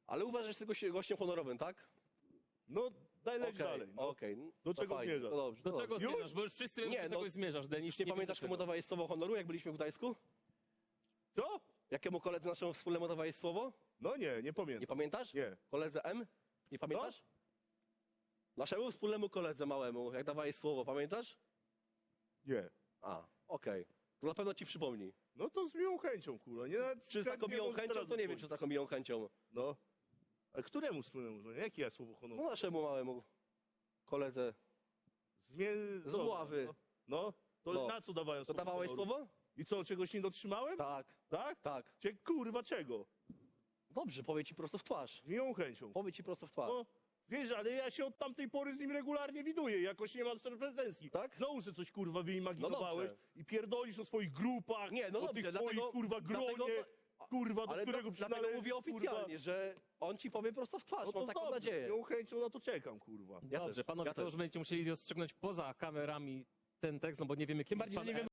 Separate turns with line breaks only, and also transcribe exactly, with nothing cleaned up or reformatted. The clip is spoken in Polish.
Ale uważasz, że jesteś gościem honorowym, tak?
No, daj leć
Okej,
dalej. No.
okej.
Do
No
czego
fajnie,
zmierzasz?
to dobrze,
Do
to
czego
dobrze.
zmierzasz? Bo już wszyscy wiemy,
Nie,
do czego
no,
zmierzasz, Denis.
Już nie pamiętasz, komu dawałeś słowo honoru, jak byliśmy w Gdańsku?
Co?
Jakiemu koledze naszemu wspólnemu dawałeś słowo?
No nie, nie pamiętam.
Nie pamiętasz?
Nie.
Koledze M? Nie pamiętasz? Naszemu wspólnemu koledze małemu, jak dawałeś słowo, pamiętasz?
Nie.
A, okej. To na pewno ci przypomni.
No to z miłą chęcią, kurwa. Nie,
Czy z taką miłą chęcią, to nie wiem, czy z taką miłą chęcią.
No. A któremu wspólnemu? No, jakie ja słowo honoru?
No naszemu małemu koledze
Zmie...
z ławy.
No. no. To
No.
na co dawałem
To
słowo
dawałeś
honoru?
słowo?
I co, czegoś nie dotrzymałem?
Tak.
Tak?
Tak.
Cie, kurwa, czego?
Dobrze, powie ci prosto w twarz.
Z miłą chęcią.
Powie ci prosto w twarz.
No, wiesz, ale ja się od tamtej pory z nim regularnie widuję, jakoś nie mam pretensji.
Tak?
Znowu sobie coś, kurwa, wyimaginowałeś
No dobrze.
i pierdolisz o swoich grupach,
Nie, no
o
dobrze,
tych
dlatego-
swoich, kurwa, gronie,
dlatego-
kurwa, do
Ale
którego
do, dlatego
przynależysz,
mówię oficjalnie,
kurwa.
że on ci powie prosto w twarz.
No to
Mam taką
dobrze,
nadzieję.
z miłą chęcią na to czekam, kurwa.
Ja
Dobrze,
też,
panowie,
ja
to
też.
już będziecie musieli rozstrzygnąć poza kamerami ten tekst, no bo nie wiemy, kim
bardziej,
jest
że
pan
nie wiemy,